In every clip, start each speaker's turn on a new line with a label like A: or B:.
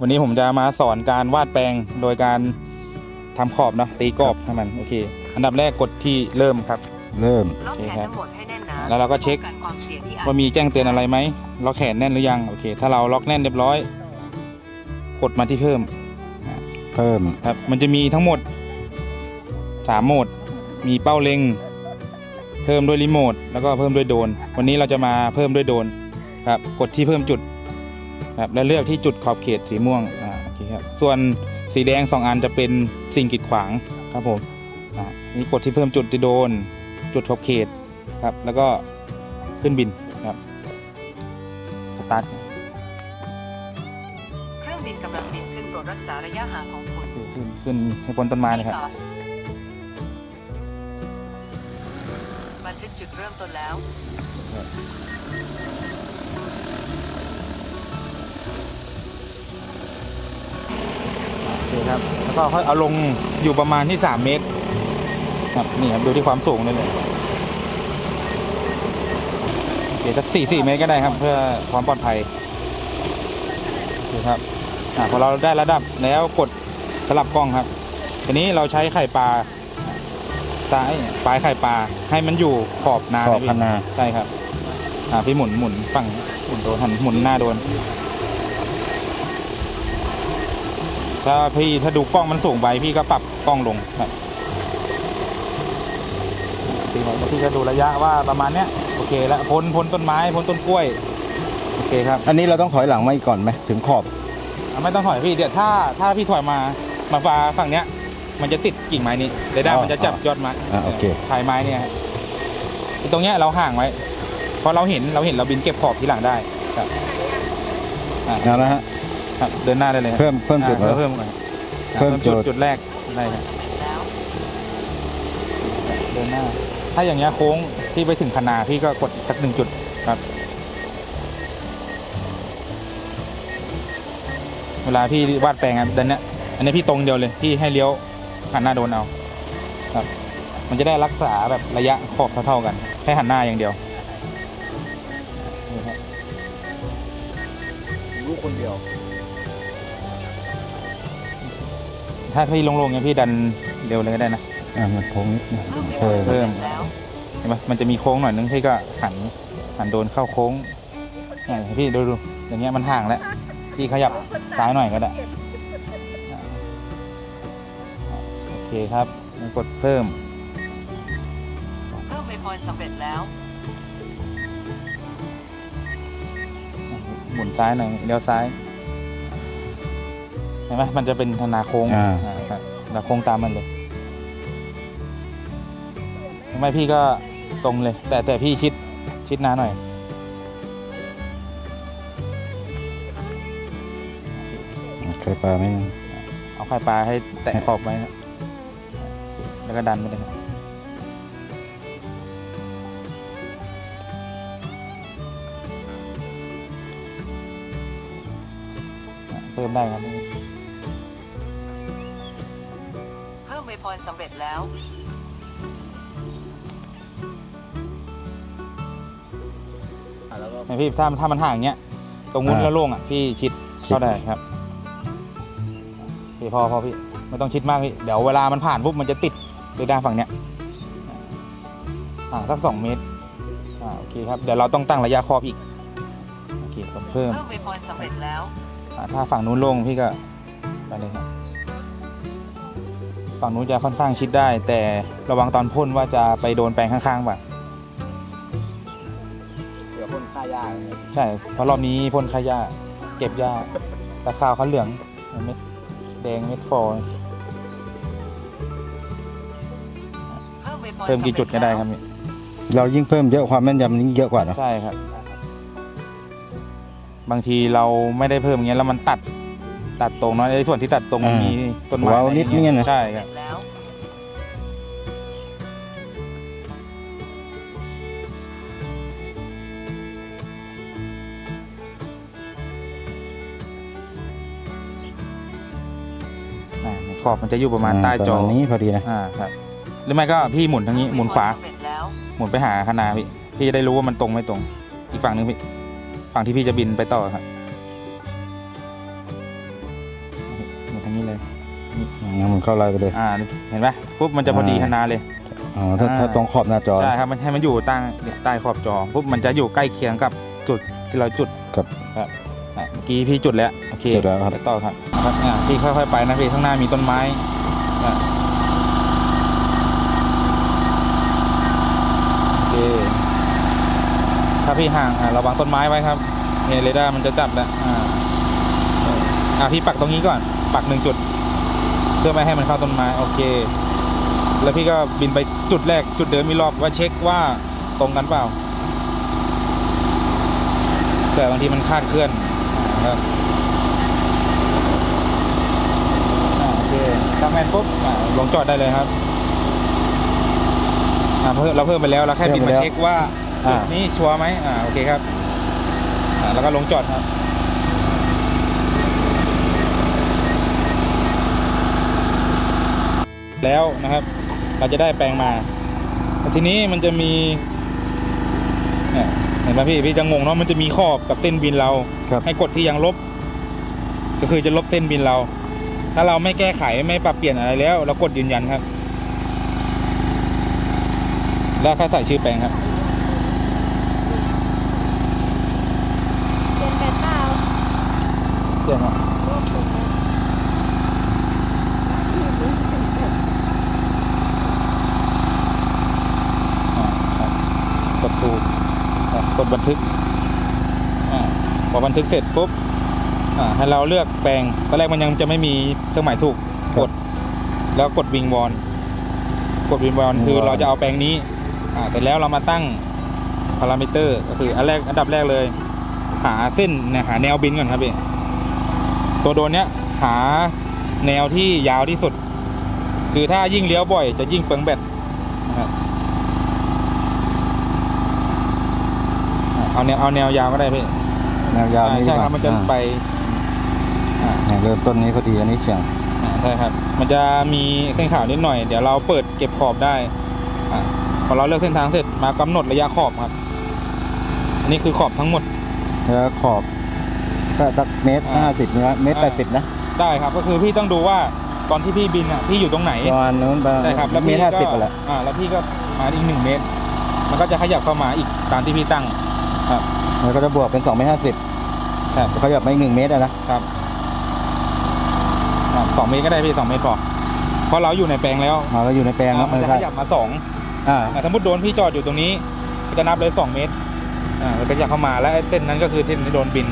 A: วันนี้ผมจะมาสอนการวาดแปลงโดยการทำขอบเนาะตีกรอบให้มันโอเคอันดับแรกกดที่เริ่มครับ
B: เริ่ม
C: ล็อกแขนทั้งหมดให้แน่นหนา
A: แล้วเราก็เช็ค
C: ป้องนความเสี่ยงที่อาจ
A: ว่ามีแจ้งเตือนอะไรไหมล็อกแขนแน่นหรือยังโอเคถ้าเราล็อกแน่นเรียบร้อยกดมาที่เพิ่ม
B: เพิ่ม
A: ครับมันจะมีทั้งหมด3โหมดมีเป้าเล็งเพิ่มด้วยรีโมทแล้วก็เพิ่มด้วยโดรนวันนี้เราจะมาเพิ่มด้วยโดรนครับกดที่เพิ่มจุดครับแล้วเลือกที่จุดขอบเขตสีม่วงโอเคครับส่วนสีแดง2อันจะเป็นสิ่งกีดขวางครับผมนี่กดที่เพิ่มจุดที่โดรนจุดขอบเขตครับแล้วก็ขึ้นบินครับสตาร์ท
C: เครื่องบินกำลังบินขึ้นโปรดรักษาระยะห่างของคุณ
A: ขึ้นให้พ้นต้นไม้นะครับ
C: บันทึกจุดเริ่มต้นแล้ว
A: โอเคครับแล้วก็ค่อยเอาลงอยู่ประมาณที่3 เมตรครับนี่ครับดูที่ความสูงเลยเดี๋ยวสัก4 เมตรก็ได้ครับเพื่อความปลอดภัยโอเคครับพอเราได้ระดับแล้วกดสลับกล้องครับทีนี้เราใช้ไข่ปลาซ้ายปลายไข่ปลาให้มันอยู่ขอบนา
B: ขอบ
A: พี่
B: พนา
A: ใช่ครับพี่หมุนฝั่งหมุนโดนหันหมุนหน้าโดนถ้าดูกล้องมันสูงไปพี่ก็ปรับกล้องลงครับพี่ก็ดูระยะว่าประมาณเนี้ยโอเคแล้วพ้นต้นไม้พ้นต้นกล้วยโอเคครับ
B: อันนี้เราต้องถอยหลังมาอีกก่อนไหมถึงขอบ
A: ไม่ต้องถอยพี่เดี๋ยวถ้าพี่ถอยมาฝั่งเนี้ยมันจะติดกิ่งไม้นี้เรดาร์มันจะจับยอดไม้
B: โอเค
A: ปลายไม้เนี่ยครับตรงเนี้ยเราห่างไว้เพราะเราเห็นเราบินเก็บขอบทีหลังได้ครับ
B: เอาละฮะ
A: ครับเดินหน้าได้เลยครับ
B: เพิ่มจุดเหรอ
A: เพิ่มก่อน
B: เพิ่มจุด
A: จุดแรกได้ครับ
C: แล้ว
A: เดินหน้าถ้าอย่างเงี้ยโค้งที่ไปถึงคณาพี่ก็กดสัก1 จุดครับเวลาพี่วาดแปลงอันเนี้ยอันนี้พี่ตรงเดียวเลยพี่ให้เลี้ยวหันหน้าโดนเอาครับมันจะได้รักษาแบบระยะขอบเท่าๆกันแค่หันหน้าอย่างเดียวนี่ครับ
B: รู้คนเดียว
A: ถ้าพี่ลงๆเนี่ยพี่ดันเร็วเลยก็ได้นะ
B: มันโค้งนิดนึง
C: เพิ่ม
B: เพิ่ม
C: แล้ว
A: เห็นไหมมันจะมีโค้งหน่อยนึงพี่ก็หันโดนเข้าโค้งพี่ดูอย่างเงี้ยมันห่างแล้วพี่ขยับซ้ายหน่อยก็ได้โอเคครับกดเพิ่ม
C: เพิ่มไปพอยสำเร็จแล้ว
A: หมุนซ้ายหน่อยเลี้ยวซ้ายเห็นไหมมันจะเป็นธนาโค้งครับธนาโค้งตามมันเลยไม่พี่ก็ตรงเลย แต่พี่ชิดหน้าหน่อย
B: เคยปลาไหม
A: เอาไข่ปลาให้แตะขอบไว้ครับแล้วก็ดันไปเลยครับเพิ่มได้ครับ
C: เพิ่มไปพอยสำเร็จแล้ว
A: พี่ถ้ามันห่างอย่างเงี้ยตรงนู้นแล้วโล่งพี่ชิดเข้าได้ครับพี่พอพี่ไม่ต้องชิดมากพี่เดี๋ยวเวลามันผ่านปุ๊บมันจะติดเรดาร์ฝั่งเนี้ยสัก2 เมตรโอเคครับเดี๋ยวเราต้องตั้งระยะขอบอีกโอเคผมเพิ่ม
C: เพิ่มไปพอยสำเร็จแล้ว
A: ถ้าฝั่งนู้นโล่งพี่ก็ไปเลยครับฝั่งนู้นจะค่อนข้างชิดได้ แต่ระวังตอนพ่นว่าจะไปโดนแปลงข้างๆป่ะ
B: เดี๋ยวพ่นฆ่าหญ้า
A: ใช่เพราะรอบนี้พ่นขยะเก็บหญ้าตะขาวเขาเหลืองเม็ดแดงเม็ดฟอร์ เพิ่มกี่จุดก็ได้ครับนี่
B: เรายิ่งเพิ่มเยอะความแม่นยำยิ่งเยอะกว่าเนาะ
A: ใช่ครับบางทีเราไม่ได้เพิ่มอย่างเงี้ยแล้วมันตัดตรงเนาะในส่วนที่ตัดตรงมันมีต้นไม้
B: ว้าวนิดเนี่ยนะ
A: ใช่ครับ
C: แล้ว
A: ขอบมันจะอยู่ประมาณใต้จอ
B: ประมาณนี้พอดีนะ
A: ครับหรือไม่ก็พี่หมุนทางนี้หมุนขวา
C: สำเร็จแล้ว
A: หมุนไปหาคณาพี่จะได้รู้ว่ามันตรงไม่ตรง อีกฝั่งหนึ่งพี่ฝั่งที่พี่จะบินไปต่อครับอย่างนี้เลย
B: งั้นมันเข้าไลน์ไปเลย
A: เห็นไหมปุ๊บมันจะพอดีขนาดเลย
B: อ๋อถ้าตรงขอบหน้าจอ
A: ใช่ครับมันให้มันอยู่ใต้ขอบจอปุ๊บมันจะอยู่ใกล้เคียงกับจุดที่เราจุด
B: ครับ
A: เมื่อกี้พี่จุดแล้วโอเค
B: จุดแล้วครับ
A: ไปต่อครับพี่ค่อยๆไปนะพี่ข้างหน้ามีต้นไม้โอเคถ้าพี่ห่างระวังต้นไม้ไว้ครับเนี่ยเรดาร์มันจะจับแล้วพี่ปักตรงนี้ก่อนปัก1 จุดเพื่อไม่ให้มันเข้าต้นไม้โอเคแล้วพี่ก็บินไปจุดแรกจุดเดิมมีรอบว่าเช็คว่าตรงกันเปล่าแต่บางทีมันคลาดเคลื่อนครับโอเคตั้งแมนปุ๊บลงจอดได้เลยครับเราเพิ่มไปแล้วเราแค่บินมาเช็คว่าจุดนี้ชัวร์ไหมโอเคครับแล้วก็ลงจอดครับแล้วนะครับเราจะได้แปลงมาทีนี้มันจะมีเนี่ยเห็นไหมพี่จะงงเนาะมันจะมีขอบกับเส้นบินเราให้กดที่ยังลบก็คือจะลบเส้นบินเราถ้าเราไม่แก้ไขไม่ปรับเปลี่ยนอะไรแล้วเรากดยืนยันครับแล้วค่อยใส่ชื่อแปลงครับ
D: เป็นแบบเปล่า
A: เปลี่ยนครับกดถูกกดบันทึกพอบันทึกเสร็จปุ๊บให้เราเลือกแปลงตอนแรกมันยังจะไม่มีเครื่องหมายถูกกดแล้วกดวิงวอนคือเราจะเอาแปลงนี้เสร็จแล้วเรามาตั้งพารามิเตอร์ก็คืออันดับแรกเลยหาเส้นหาแนวบินก่อนครับพี่ตัวโดรนเนี้ยหาแนวที่ยาวที่สุดคือถ้ายิ่งเลี้ยวบ่อยจะยิ่งเปลืองแบตนะครับเอาแนวยาวก็ได้พี่
B: แนวยาวนี้
A: ใช่ครับมันจะไป
B: เริ่มต้นนี้พอดีอันนี้เฉียง
A: ใช่ครับมันจะมีเส้นขาวนิดหน่อยเดี๋ยวเราเปิดเก็บขอบได้พอเราเลือกเส้นทางเสร็จมากำหนดระยะขอบครับอันนี้คือขอบทั้งหมด
B: แล้วขอบก็สักเมตร50นะเมตร80นะ
A: ได้ครับก็คือพี่ต้องดูว่าตอนที่พี่บินพี่อยู่ตรงไหน
B: ประมาณนู้นประมาณ
A: ใช่ครับแล้ว
B: เม
A: พี่
B: ตร
A: ก็
B: 50แหละ
A: แล้วพี่ก็มาอีก1 เมตรมันก็จะขยับเข้ามาอีกตามที่พี่ตั้งครับ
B: แล้วก็จะบวกเป็น2 เมตร 50
A: ครับ
B: เขาหยับมาอีก1 เมตรนะครับ
A: 2 เมตรก็ได้พี่2 เมตรพอเพราะเราอยู่ในแปลงแล้ว
B: เราอยู่ในแปลงแล้ว
A: มันจะ
B: ใช่
A: ขยับมา2 สมมติโดนพี่จอดอยู่ตรงนี้ก็จะนับเลย2 เมตรมันก็จะเข้ามาแล้วเส้นนั้นก็คือเส้นที่โดนบิน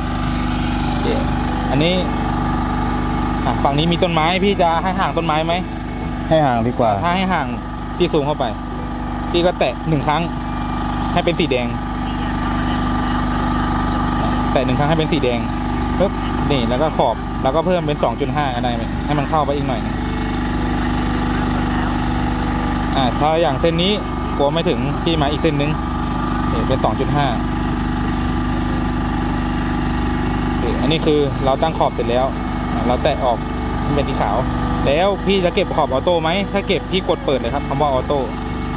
A: อันนี้ฝั่งนี้มีต้นไม้พี่จะให้ห่างต้นไม้ไหม
B: ให้ห่างดีกว่า
A: ถ้าให้ห่างพี่ซูมเข้าไปพี่ก็แตะ1 ครั้งให้เป็นสีแดงแตะ1 ครั้งให้เป็นสีแดงปึ๊บนี่แล้วก็ขอบแล้วก็เพิ่มเป็น 2.5 ก็ได้ไหมให้มันเข้าไปอีกหน่อยนึงถ้าอย่างเส้นนี้กลัวไม่ถึงพี่มาอีกเส้นนึงเป็น 2.5 อันนี้คือเราตั้งขอบเสร็จแล้วเราแตะออกเป็นสีขาวแล้วพี่จะเก็บขอบออโต้ไหมถ้าเก็บพี่กดเปิดเลยครับคำว่าออโต้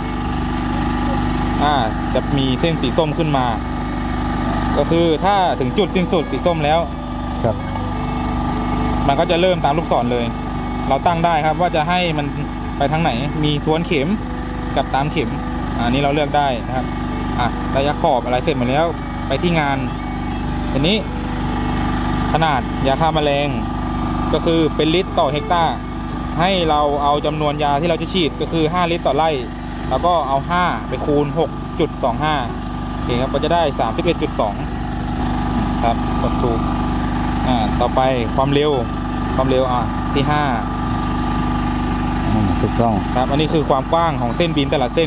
A: จะมีเส้นสีส้มขึ้นมาก็คือถ้าถึงจุดสิ้นสุดสีส้มแล้ว
B: ครับ
A: มันก็จะเริ่มตามลูกศรเลย เราตั้งได้ครับว่าจะให้มันไปทางไหนมีทวนเข็มกับตามเข็มอันนี้เราเลือกได้นะครับระยะขอบอะไรเสร็จหมดแล้วไปที่งานทีนี้ขนาดยาฆ่าแมลงก็คือเป็นลิตรต่อเฮกตาร์ให้เราเอาจำนวนยาที่เราจะฉีดก็คือ5 ลิตรต่อไร่แล้วก็เอา5ไปคูณ 6.25 โอเคครับก็จะได้ 31.2 ครับกดถูกต่อไปความเร็วที่5
B: ถูกต้อง
A: ครับอันนี้คือความกว้างของเส้นบินแต่ละเส้น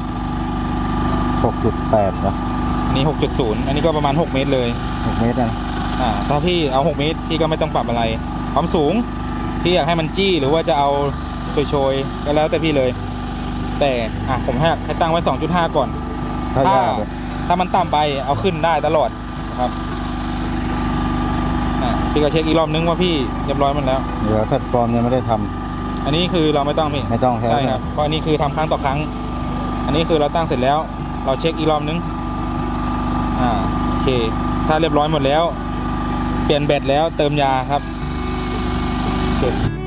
B: 6.8 นะ
A: อันนี้ 6.0 อันนี้ก็ประมาณ6 เมตรเลย
B: 6 เมตรนะ
A: ถ้าพี่เอา6 เมตรพี่ก็ไม่ต้องปรับอะไรความสูงพี่อยากให้มันจี้หรือว่าจะเอาโชยๆก็แล้วแต่พี่เลยแต่ผมให้ตั้งไว้ 2.5 ก่อน ถ้ามันต่ำไปเอาขึ้นได้ตลอดนะครับพี่ก็เช็คอีกรอบนึงว่าพี่เรียบร้อยมันแล้ว
B: เดี๋ยวแพลตฟอร์มยังไม่ได้ทำ
A: อันนี้คือเราไม่ต้องพี่
B: ไม่ต้องใช่ไหม
A: ใช่ครับเพราะอันนี้คือทำครั้งต่อครั้งอันนี้คือเราตั้งเสร็จแล้วเราเช็คอีกรอบนึงโอเคถ้าเรียบร้อยหมดแล้วเปลี่ยนแบตแล้วเติมยาครับโอเคเสร็จ